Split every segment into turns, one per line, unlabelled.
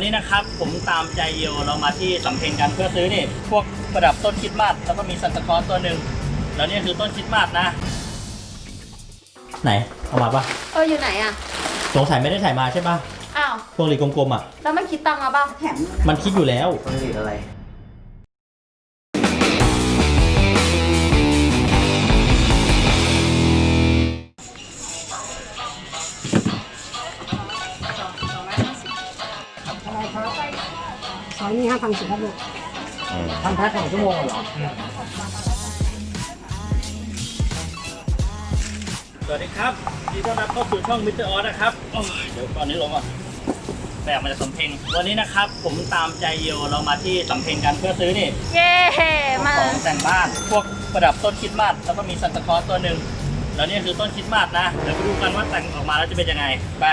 นี้นะครับผมตามใจโยเรามาที่สำเพ็งกันเพื่อซื้อนี่พวกประดับต้นคริสต์มาสแล้วก็มีซันตาคลอสตัวหนึ่งแล้วนี่คือต้นคริสต์มาสนะไหนเอามาปะ
อยู่ไหนอ่ะ
สงสัยไม่ได้ถ่ายมาใช่ปะ
อ้าว
พวงหลีดกลมๆอ่ะ
แล้วมันคิดตังค์มาป่ะแถม
มันคิดอยู่แล้ว
พวงหลีดอะไร
ซอยนี้5,010ครับลูกทำแพ็ค2 ชั่วโมงเหรอ
สวัสดีครับยินดีต้อนรับเข้าสู่ช่องมิสเตอร์ออสนะครับเดี๋ยวตอนนี้ลงก่อนแบบมาจากสำเพ็งวันนี้นะครับผมตามใจโยเรามาที่สำเพ็งกันเพื่อซื้อนี่
เย้มา
ของแต่งบ้านพวกประดับต้นคริสต์มาสแล้วก็มีซันตาคลอสตัวหนึ่งแล้วนี่คือต้นคริสต์มาสนะเดี๋ยวไปดูกันว่าแต่งออกมาแล้วจะเป็นยังไงไป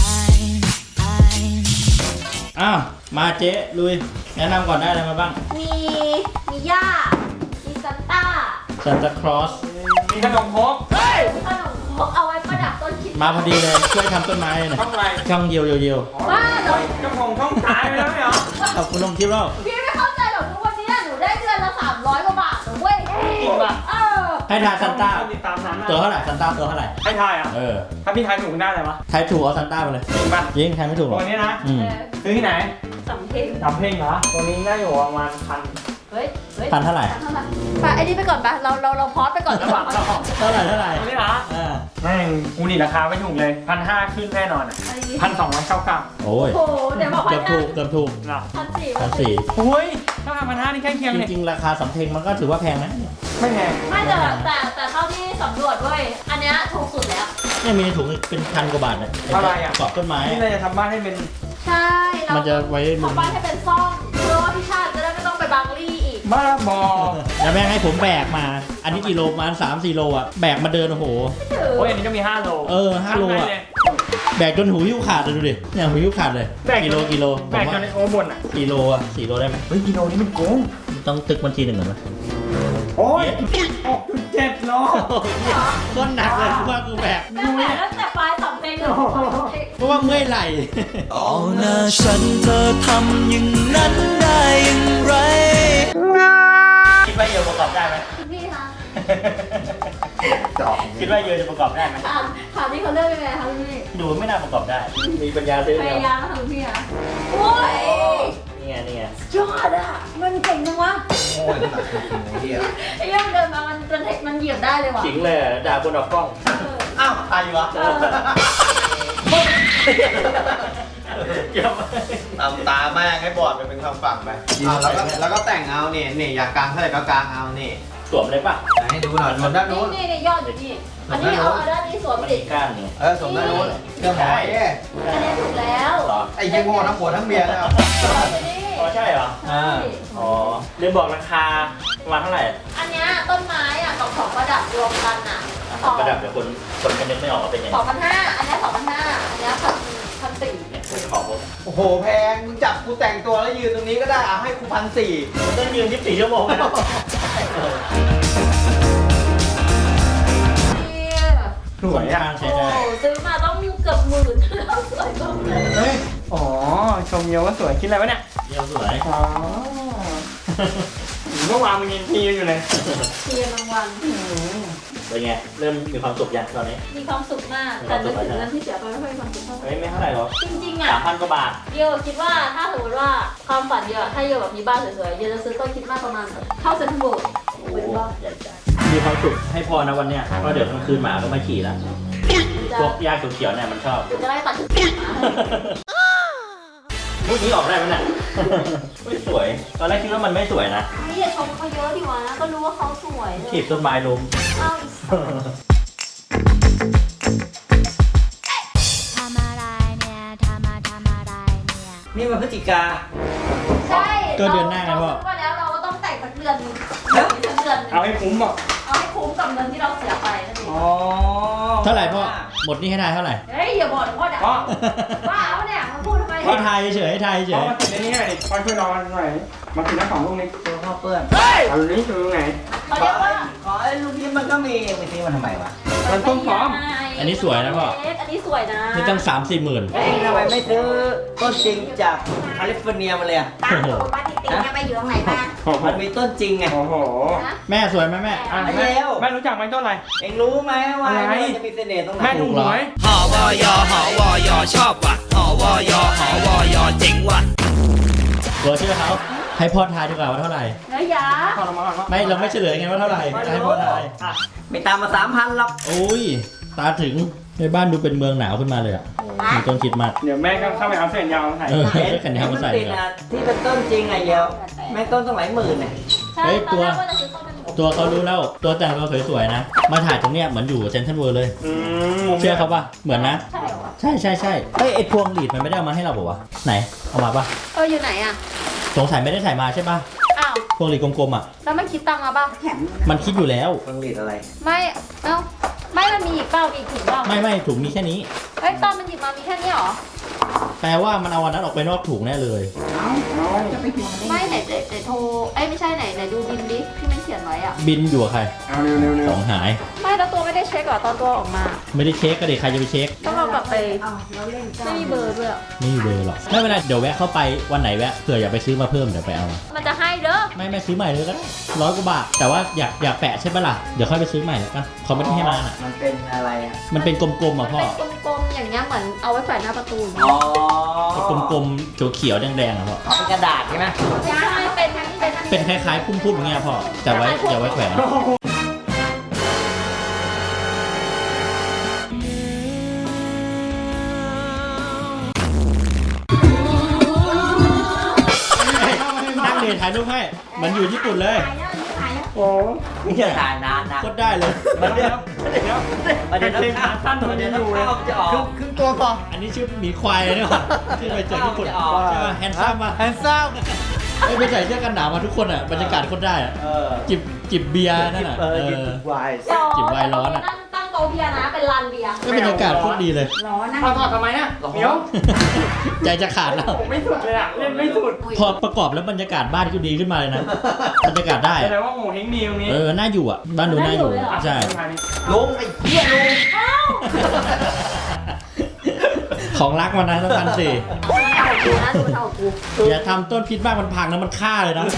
อ้าวมาเจ๊ลุยแนะนำก่อนได้อะไรมาบ้าง
มีย่ามีซันต้า
ซันตาคลอส
มีขนมครก
ขนมครกเอาไว้ประดับต้นคริสต์
มาพอดีเลยช่วยทำต้นไม้หน่อย
ช่องอะไร
ช่องเยียว
บ้าเหรอ
เจ้าของช่องตายไปแล้วไม่เหรอ
ขอบคุณลงคลิปแล้ว
พี่ไม่เข้าใจหรอกทุกวันนี้หนูได้เดือนละ300 กว่าบาทนะเว้ย
จริงป่ะให้ทายซันต้าตัวเท่าไหร่ซันต้าตัวเท่าไหร่
ให้ทายอ่ะถ้าพี่ทายถูกได้อะไรวะ
ทายถูกเอาซันต้าไปเลย
จริงป่ะ
จริงทายไม่ถูกหรอก
ตัวนี้นะซื้อที่ไหน
สำเพ็ง
เหรอตัวนี้น่าอยู่ประมาณ1,000
เฮ้ย
พันเท่าไหร่
ไปไอ้นี่ไปก่อนปะเราพอสไปก่อนดีกว่า
เท่าไหร่
ตัวนี้เหรอแม่งกูนี่ราคาไม่ถูกเลย1,500ขึ้นแน่นอนอ่ะ1,299
โอ้ย
เดี๋ยวบอก
เกือบถูก
1,400
โอ้ยถ้า1,500นี่ใกล้เคียงเลย
จริงๆราคาสำเพ็งมันก็ถือว่าแพงนะ
ไม่แพง
ไม่แต่เท่าที่สำรวจเว้ยอันเนี้ยถูกสุดแล้ว
เนี่ยมีในถุงเป็น1,000 กว่าบาทเนี่ย
อะไรอ่ะ
กรอบต้นไม้
นี่เราจะทำบ้านให้เป็น
ใช่
มันจะไว้
ทำบ้านให้เป็นซ่องเพื่อว่าพี่ชาติจะได้ไม่ต้องไปบางลี่อีก
บ้าบอ
แล้วแม่งให้ผมแบกมาอันนี้กี่โลประมาณ3-4 โลอ่ะแบกมาเดินโอ้โห
โอ้ยอันนี้ก็มี5 โล
5 โลอ่ะแบกจนหูหิ้วขาดเลยดูดิเนี่ยหูหิ้วขาดเลยกิโล
แบกจนโอ้บนอ่ะ
4 โลอ่ะ4 โลได้ไหม
เฮ้ยกิโลนี้มันโกง
ต้องตึกบัญชีหนึ่งก่อนไหม
โอ้ย6.7 โล
ก้นหนักเลยว่ากูแบก
ตั้งแต่ปลายสำเพ็งเลย
เพราะว่าเมื่อยไหล่
เอาหน้าฉันเธอทำอย่างนั้นได้อย่างไร
คิดว่าเยอะประกอบได้ไหม
พี่คะ
คิดว่าเยอะจะประกอบได้ไหม
ถามที่เขาเลือกยังไงคะพี่
ดูไม่น่าประกอบได้มีปัญญาซื้อ
พยายามค่ะพี่อะโอ้ย
นี่ไง
ยอดอ่ะมันเก่งจังวะ
โอ้ย
ไอ้ย่อมเดินมามันเหยียบได้เลยว่ะ
ขิงเลยด่าบนออกกล้อง
อ้าวตายอยู่วะตามตาแม่งให้บอดไปเป็นคำฝั่งไปแล้วก็แต่งเอาเนี่ยอยากกางเท่าไหร่ก็กางเอานี่
สวมเลยป่ะ
ให้ดูหน่อยสวมด้านนู้น
นี่ยอดอยู่นี่อันนี้เอาด้านนี้สวมดิ
ก้านนี่
สวมด้านนู้นเรื่องหอย
อันนี้ถูกแล้ว
ไอ้เจ๊งโง่ทั้งผัวทั้งเมียแล้ว
อ๋อใช่เหรออ๋อเรื่องบอกราคาประมาณเท่าไหร่
อันนี้ต้นไม้อ่ะกับของประดับรวมกันอ่ะ
ประดับเดี๋ยวคนนึกไม่ออกว่าเป็นยังไง
2,500อันนี้2,500อันนี้1,400
เนี่ยของผม
โอ้โหแพงมึงจับกูแต่งตัวแล้วยืนตรงนี้ก็ได้ให้กู1,400
ต้องยืน24 ชั่วโมงนะ
สวยอ่ะ
ใช่ได้
ซื้อมาต้องเกือบ10,000แล้วสวยจังเลย
อ๋อชมเยอะว่าสวยคิดอะไรวะเนี่ย
เยอะสวย
เมื่อวานมึงยินทีอยู่เลย
เทียนรางวัล
เป็นไงเริ่มมีความสุขยังตอนนี้
มีความสุขมากแต่นึกถึงเรื่องที่เสียไปไม่ค่อยมีความสุขเท่าไหร่
ไม่เท่าไหร่หรอก
จริงๆอ่ะ
3,000 กว่าบาท
เยอะคิดว่าถ้าสมมติว่าความฝันเยอะถ้าเยอะแบบมีบ้านสวยๆเยอะจะซื้อต้นคิดมากประมาณเท่าเซ็นทรัลเวิลด์เป็นบ้าน
ใหญ่จังมีความสุขให้พอนะวันเนี้ยเพราะเดี๋ยวกลางคืนหมาก็มาขี่แล้วพวกยาเขียวๆเนี่ยมันชอบ
จะไล่ตัด
มุกนี้ออกได้ไหมเนี่ยไม่สวยตอนแรกคิดว่ามันไม่สวยนะ
นี่อย่าชมเขาเยอะดิวะก็รู้ว่าเขาสวย
ถีบต้นไม้ล้ม
นี่มันพฤศจิกา
ใช่
ก็เดือนหน้าไงพ่อ
ว่าแล้วเราก็ต้องแต่งสักเดือน
เอาให้คุ้มอ่ะ
เอาให้คุ้มกับเงินที่เราเสียไปนั่นเอง
เท่าไหร่พ่อหมดนี่ให้ทายเท่าไหร่
เฮ้ยอย่าบอกพ่อด่าว่าเอาเนี่ยมาพูดทำไม
ให้ทายเฉยให้ทายเฉย
มาติดในนี้หน่อยพ่อช่วยนอนหน่อยมาติดน้ำของลูกนี้ตัวพ่อเปื้อนเอาลูกนี้คือตรงไหน
เขาเรียกว่า
ไอ้ลูกนี้มันก็มีไปซื้อมันทำไมวะมันต้นหอม
อันนี้สวยนะพ่อ
อันนี้สวยนะ
นี่ตั้ง3-4 หมื่น
เองทำไมไม่ซื้อต้นจริงจากแคลิฟอร์เนียมาเลยอะ
ตามตัวป้าติ๊กติ๊กเนี่ยไปอยู่ตรงไหนมา
มันมีต้นจริงไง
โอ้โห
นะ
แม่สวยไหมแม่
ไม่แล้ว
แม่รู้จักไหมต้นอะไร
เองรู้ไหมว่า
อะไร
มันจะมีเสน่ห์ตรงไหน
แม่ดูหวย
หอวอยอหอวอยอชอบว่ะหอวอยอหอวอยอเจ๋งว่ะ
เวอร์ชื่อเขาให้พ่อทายดีกว่าว่าเท่าไหร่
แล้วยา
ขอลงมาก่อนว่า
ไม่เราไม่เฉลยไงว่าเท่าไหร่ให้พ่อทาย
ไม่ตามมา3,000หรอก
โอ้ยตาถึงในบ้านดูเป็นเมืองหนาวขึ้นมาเลยอ่ะมีต้นคริดมาส
เดี๋ยวแม่ก็เข้าไปเอาเส้นยาวมาใส่
เออแขนยาวมาใส่
ติด
เลย
นะที่เป็นต้นจริงไงเดียวแม่ต้นต้องหลายหมื่นเนี่ย
ใช่
เฮ้ย
ตอนแรก
ตัว
ว่าจะซื้อต้นเป็น
ตัวเขารู้แล้วตัวแต่งตัวสวยๆนะ มาถ่ายตรงเนี้ยเหมือนอยู่เซนทรัลเวิลด์เลย
อืม
เชื่อเขาปะเหมือนนะ
ใช่เหรอวะ
ใช่ใช่ใช่เฮ้ยไอพวงหลีดมันไม่ได้เอามาให้เราบอกว่าวะไหนเอามาปะ
อยู่ไหนอ่ะ
สงสัยไม่ได้ถ่ายมาใช่ปะ
อ้าว
พวงหลีดกลมๆอ่ะ
แล้วมันคิดตังค์มาป่ะ
มันคิดอยู่แล้ว
ผลิตอะไร
ไม่ เอ้า ไม่มันมีอีกเปล่ามีอีกถุงเปล่า
ไม่ถุงมีแค่นี้
เอ้ยตอนมันหยิบมามีแค่นี้เหรอ
แปลว่ามันเอาวันนั้นออกไปนอกถุงแน่เลย
ไม่ไหนโทร เอ้ยไม่ใช่ไหนดูบินดิที่มันเขียนไว้อ่ะ
บินอยู่กับใคร
เอาเร็วเร็วเร็
ข
ว
องหาย
ไม่แล้วตัวไม่ได้เช็คเหรอตอนตัวออกมา
ไม่ได้เช็คก็เด็กใครจะไปเช็ค
ต้องเรากลับไปไม่มีเบอร์ด้วยอะ
ไม่มีเบอร์หรอกไม่เป็นไรเดี๋ยวแวะเข้าไปวันไหนแวะเผื่ออยากไปซื้อมาเพิ่มเดี๋ยวไปเอา
มันจะให้เด้อ
ไม่ซื้อใหม่เลยก็ได้100 กว่าบาทแต่ว่าอยากแปะใช่ปะล่ะเดี๋ยวค่อยไปซื้อใหม่แล้วกันเขาไม่ได้ให้มาน่ะ
มันเป็นอะไรอ่ะ
มันเป็นกลมๆอ่ะพ่อ
เป็นกลมๆอย่างเงี้ยเหมือนเอาไว้แขวนหน้าประตู
อ๋อก
ลมๆเขียวๆแดงๆอ่ะพ่อ
เป็นกระดาษใช่ไหม
ใช่เป็น
เป็นคล้ายๆพุ่มๆอย่างเงี้ยพ่อแต่ไว้อย่าไว้แขวนนั่งเรียนถ่ายรูปให้เหมันอยู่ญี่ปุ่นเลย
โอ้
นี่จะถ่ายนานนะ
โคตรได้เลย
มันเดี๋ยว
เดี๋ยว
มันเดี๋ยว
เพลงขาสั้นมัน
เดี๋ยว
ยังอยู่เลย
ข้าวจะออก
ครึ่งตัวพอ
อันนี้ชื่อหมีควายเลยเนี่ยว่ะที่ไปเจอญี่ปุ่น
อ๋อ
ใช่ป่ะแฮนซัมป่ะ
แฮนซัม
ไอ้ไปใส่เสื้อกันหนาวมาทุกคนอ่ะบรรยากาศโคตรได้อ่ะ
เออ
จิบเบียร์นั่นอ่ะ
กินไวน์
จิบไวน์ร้อนอะ
ตั้งโต๊ะเบียร์นะเป็นลานเบียร์
ก็บรรยากาศโคตรดีเลย
ถอดทำไมนะเดี๋ยว
ใจจะขาดแล้ว
ผมไม่สุดเลยอ่ะเล่นไม่สุด
พอประกอบแล้วบรรยากาศบ้านก็ดีขึ้นมาเลยนะบรรยากาศได้
แส
อะ
ดงว่าโง่เฮงดีตรงนี้
น่าอยู่อ่ะบ้านดูน่าอยู่ใช่
ลุงไอ้เหี้ยลุง
ของรักมันนะต้องพันสี่
เอากูนะดูเท่ากู
อย่าทำต้นพิษบ้านมันพังนะมันฆ่าเลยนะ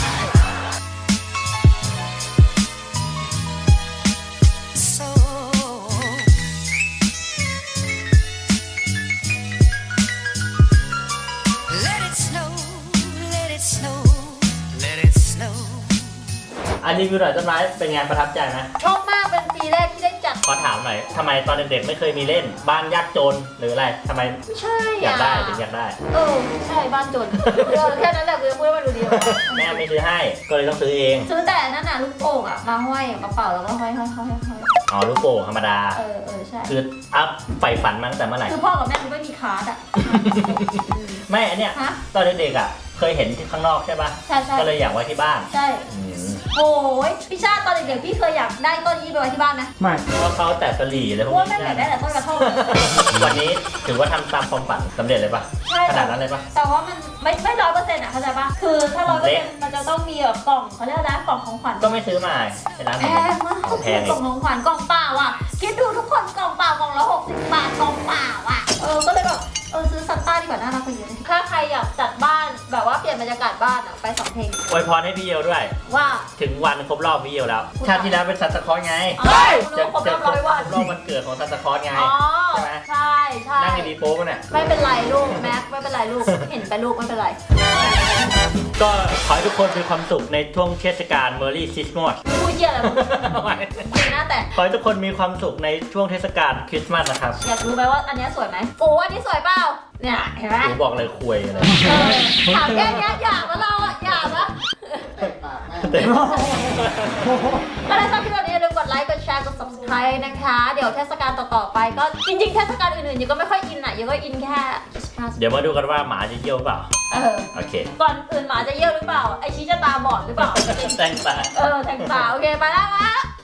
Let it snow Let it snow Let it snow
อันนี้คือหน่อยต้นไม้เป็นไงประทับใจไหม
ชอบมากเป็นปีแรกที่ได้จัด
ขอถามหน่อยทำไมตอนเด็กๆไม่เคยมีเล่น บ้านยากจนหรืออะไรทำไม
ไม่ใช่
อยากได้ถึงอยากได้
ใช่บ้านจนแค่นั้นแหละคือพูดว่าดูดี
แม่ไม่ซื้อให้ก็เลยต้องซื้อเอง
ซื้อแต่นั่นน่ะลูกโป่งอ่ะมาห้อยกระเป๋าแล้วก็ห้อย
อ๋อลูกโป่งธรรมดา
ใช่
คืออัพใฝ่ฝันมาตั้งแต่เมื่อไหร่
คือพ่อกับแม่ไม่มีคาร์ดอ่ะ
ไม่อันเนี้ย
ฮะ
ตอนเด็กๆอ่ะเคยเห็นที่ข้างนอกใช่ป่ะ
ใช่ใช่
ก็เลยอยากไว้ที่บ้าน
ใช่
อืม
โอ้ยพี่ชาติตอนเด็กๆพี่เคยอยากได้ต้นนี้ไปไว้ที่บ้านนะ
ไม่
เพราะเขาแต่สลีอะไรพวก
ว่าแม่
นี้
อยากได้แต่ต้นกระท่อม
วันนี้ถือว่าทำตามความฝันสำเร็จเลยป่ะ
ใช่
ขนาดนั้นเลยป่ะ
แต่ว่ามันไม่100%อ่ะเข้าใจป่ะคือถ้า100%มันจะต้องมีแบบกล่องเขาเรียกอะไรกล่องของขวัญ
ก็ไม่ซื้อมาในร้าน
แพงมาก
แพง
กล่องของขวัญกล่องเปล่าอ่ะคิดดูทุกคนกล่องเปล่ากล่องละ60 บาทกล่องเปล่าอ่ะก็เลยแบบซื้อซันต้าดีกว่าน่ารักกว่าเยอะถ้าใครอยากจัดบ้านแบบว่าเปลี่ยนบรรยากาศบ้านอ่ะไป2 เพลง
อวยพรให้พี่เยวด้วย
ว่า
ถึงวันครบรอบพี่เยวแล้ว ชาติที่แล้วเป็นซันตาคลอสไง
เฮ้ย
จะ
ครบรอบ100 วัน
ครบรอบวันเกิดของซันตาคลอสไง
อ๋อ
ใช่ไหม
ใช่ใช่
นั่งดีๆโป๊ะเนี่ย
ไม่เป็นไรลูกแม็กไม่เป็นไรลูกเห็นไปลูกไม่เป็นไร
ก็ขอให้ทุกคนมีความสุขในช่วงเทศกาลเมอรี่ซิสมอส
พูดเยี่ยอะไรมึงจริงนะแต่
ขอให้ทุกคนมีความสุขในช่วงเทศกาลคริสต์มาสนะครับ
อยากรู้ไหมว่าอันเนี้ยสวยไหมโอ้อันนี้สวยเปล่าเนี่ยเห็นไหม
หนูบอกเลยคุยอะไร
ถามแค่เนี้ยอยากแล้วเราอ่ะอยากปะ
แต่
ก็ถ้าชอบคลิปแบบนี้อย่าลืมกดไลค์ กดแชร์ กด subscribe นะคะ เดี๋ยวเทศกาลต่อๆไปก็จริงๆ เทศกาลอื่นๆยังก็ไม่ค่อยอินอ่ะยังก็อินแค่คริสต์มาส
เดี๋ยวมาดูกันว่าหมาจะเยี่ยวเปล่า โอเค
ก่อนอื่นหมาจะเยี่ยวหรือเปล่า ไอชี้จะตาบอดหรือเปล่า
แต่งตา
แทงตาโอเค ไปแล้ววะ